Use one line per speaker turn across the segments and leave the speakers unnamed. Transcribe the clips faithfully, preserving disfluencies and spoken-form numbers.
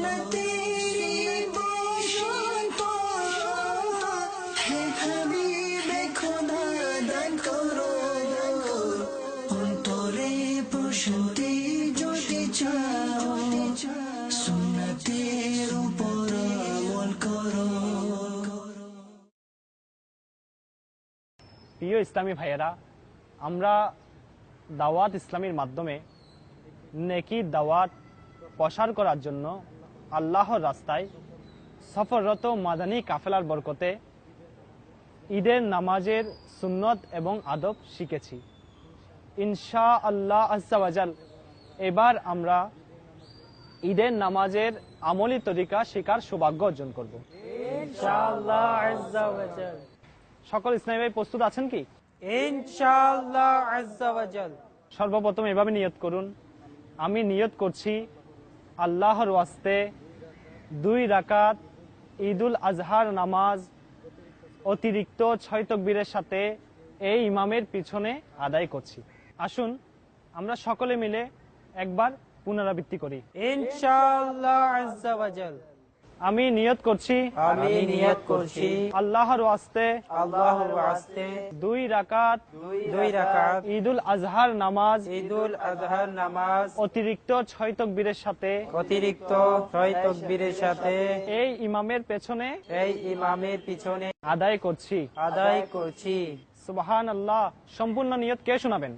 প্রিয় ইসলামী ভাইয়েরা, আমরা দাওয়াত ইসলামীর মাধ্যমে নেকি দাওয়াত প্রসার করার জন্য আল্লাহর রাস্তায় সফররত মাদানী কাফেলার বরকতে ঈদের নামাজের সুন্নত এবং আদব শিখেছি। ইনশা আল্লাহ আজ্জা ওয়াজাল এবার আমরা ঈদের নামাজের আমলি তরিকা শেখার সৌভাগ্য অর্জন করব ইনশাআল্লাহ আজ্জা ওয়াজাল। সকল ইসলামী ভাই প্রস্তুত আছেন কি?
ইনশাআল্লাহ আজ্জা ওয়াজাল।
সর্বপ্রথম এভাবে নিয়ত করুন, আমি নিয়ত করছি আল্লাহর ওয়াস্তে দুই রাকাত ঈদুল আজহার নামাজ অতিরিক্ত ছয় তাকবীরের সাথে এই ইমামের পিছনে আদায় করছি। আসুন আমরা সকলে মিলে একবার পুনরাবৃত্তি করি।
ইনশাআল্লাহ আজ্জা ওয়াজাল।
আমি নিয়ত করছি
আমি নিয়ত করছি
আল্লাহর ওয়াস্তে
আল্লাহর ওয়াস্তে
দুই রাকাত
দুই রাকাত
ঈদুল আজহার নামাজ
ঈদুল আজহার নামাজ
অতিরিক্ত ছয় তাকবীরের সাথে
অতিরিক্ত ছয় তাকবীরের সাথে
এই ইমামের পেছনে
এই ইমামের পিছনে
আদায় করছি
আদায় করছি।
সুবহানাল্লাহ। সম্পূর্ণ নিয়ত কে শোনাবেন?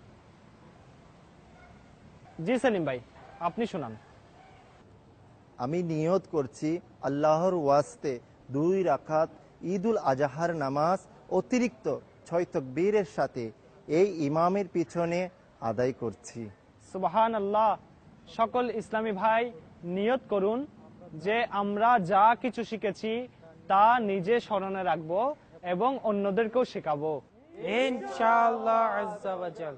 জি সেলিম ভাই, আপনি শোনান।
আমি নিয়ত করছি আল্লাহর ওয়াস্তে দুই রাকাত ঈদুল আজহার নামাজ অতিরিক্ত ছয় তাকবীরের সাথে এই ইমামের পিছনে আদায় করছি।
সুবহানাল্লাহ। সকল ইসলামী ভাই নিয়ত করুন যে আমরা যা কিছু শিখেছি তা নিজে স্মরণে রাখবো এবং অন্যদেরকেও শেখাবো
ইনশাআল্লাহ আজ্জা ওয়াজাল।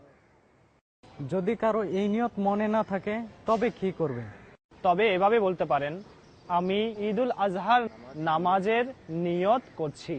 যদি কারো এই নিয়ত মনে না থাকে তবে কি করবেন?
তবে এভাবে বলতে পারেন, আমি ঈদুল আজহার নামাজের নিয়ত করছি।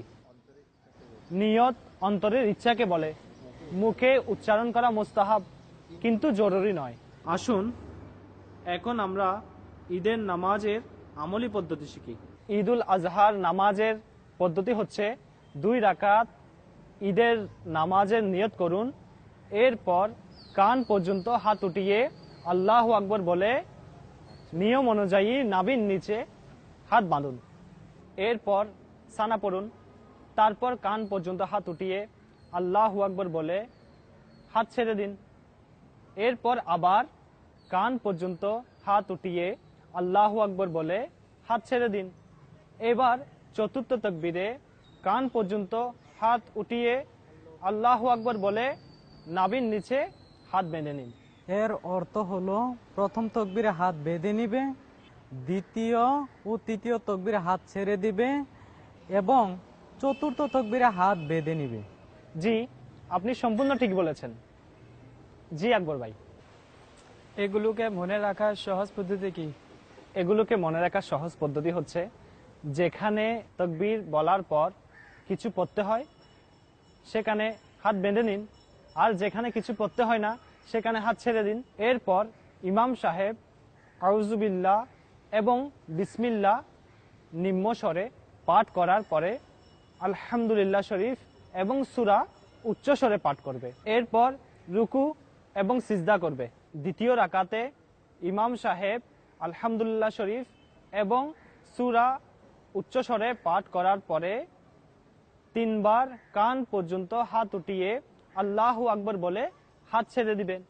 নিয়ত অন্তরের ইচ্ছাকে বলে, মুখে উচ্চারণ করা মুস্তাহাব কিন্তু জরুরি নয়। আসুন এখন আমরা ঈদের নামাজের আমলি পদ্ধতি শিখি। ঈদুল আজহার নামাজের পদ্ধতি হচ্ছে দুই রাকাত ঈদের নামাজের নিয়ত করুন, এরপর কান পর্যন্ত হাত উঠিয়ে আল্লাহু আকবার বলে নিয়ম অনুযায়ী নাভির নিচে হাত বাঁধুন, এরপর সানা পড়ুন, তারপর কান পর্যন্ত হাত উঠিয়ে আল্লাহু আকবার বলে হাত ছেড়ে দিন, এরপর আবার কান পর্যন্ত হাত উঠিয়ে আল্লাহু আকবার বলে হাত ছেড়ে দিন। এবার চতুর্থ তাকবীরে কান পর্যন্ত হাত উঠিয়ে আল্লাহু আকবার বলে নাভির নিচে হাত বেঁধে নিন।
এর অর্থ হলো প্রথম তাকবীরে হাত বেঁধে নিবে, দ্বিতীয় ও তৃতীয় তাকবীরে হাত ছেড়ে দিবে এবং চতুর্থ তাকবীরে হাত বেঁধে নিবে।
জি, আপনি সম্পূর্ণ ঠিক বলেছেন। জি আকবর ভাই,
এগুলোকে মনে রাখার সহজ পদ্ধতি কি?
এগুলোকে মনে রাখার সহজ পদ্ধতি হচ্ছে, যেখানে তাকবীর বলার পর কিছু পড়তে হয় সেখানে হাত বেঁধে নিন, আর যেখানে কিছু পড়তে হয় না সেখানে হাত ছেড়ে দিন। এরপর ইমাম সাহেব আউযুবিল্লাহ এবং বিসমিল্লাহ নিম্ন স্বরে পাঠ করার পরে আলহামদুলিল্লাহ শরীফ এবং সূরা উচ্চ স্বরে পাঠ করবে, এরপর রুকু এবং সিজদা করবে। দ্বিতীয় রাকাতে ইমাম সাহেব আলহামদুলিল্লাহ শরীফ এবং সূরা উচ্চ স্বরে পাঠ করার পরে তিনবার কান পর্যন্ত হাত উঠিয়ে আল্লাহু আকবার বলে হাত ছেড়ে দিবেন।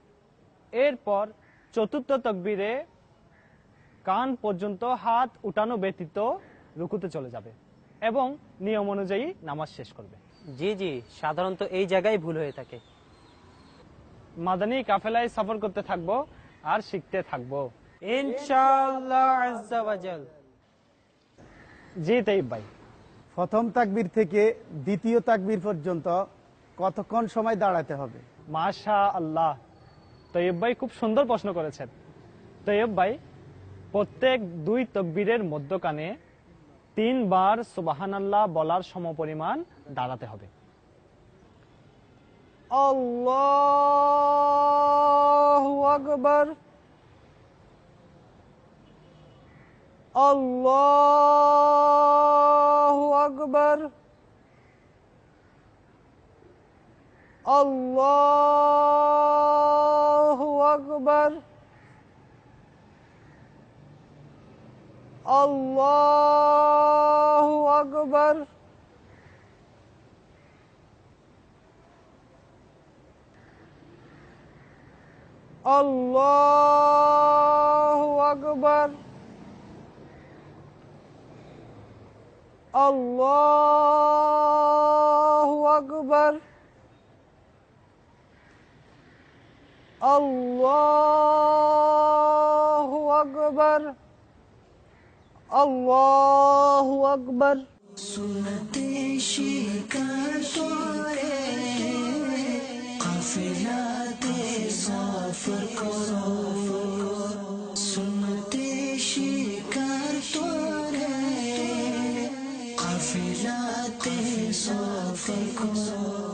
এরপর চতুর্থ তাকবীরে কান পর্যন্ত হাত উঠানো ব্যতীত রুকুতে চলে যাবে এবং নিয়ম অনুযায়ী নামাজ শেষ করবে।
জি জি, সাধারণত এই জায়গায় ভুল হয়ে থাকে।
মাদানী কাফেলায় সফর করতে থাকবো আর শিখতে থাকবো
ইনশাআল্লাহ আজ্জা ওয়াজাল।
জি তাইব ভাই,
প্রথম তাকবীর থেকে দ্বিতীয় তাকবীর পর্যন্ত কতক্ষণ সময় দাঁড়াতে হবে?
মাশা আল্লাহ, তৈয়ব ভাই খুব সুন্দর প্রশ্ন করেছেন। তৈয়ব ভাই, প্রত্যেক দুই তাকবীরের মধ্যখানে তিনবার সুবহানাল্লাহ বলার সমপরিমাণ দাঁড়াতে হবে। আল্লাহু আকবার,
আল্লাহু আকবার, আল্লাহু আকবার, আল্লাহু আকবার, আল্লাহু আকবার, আল্লাহু আকবার, আল্লাহু আকবার, আল্লাহু আকবার।
সুন্নতে শিকার করে কাফিলাতে সফর করো, সুন্নতে শিকার করে কাফিলাতে সফর করো।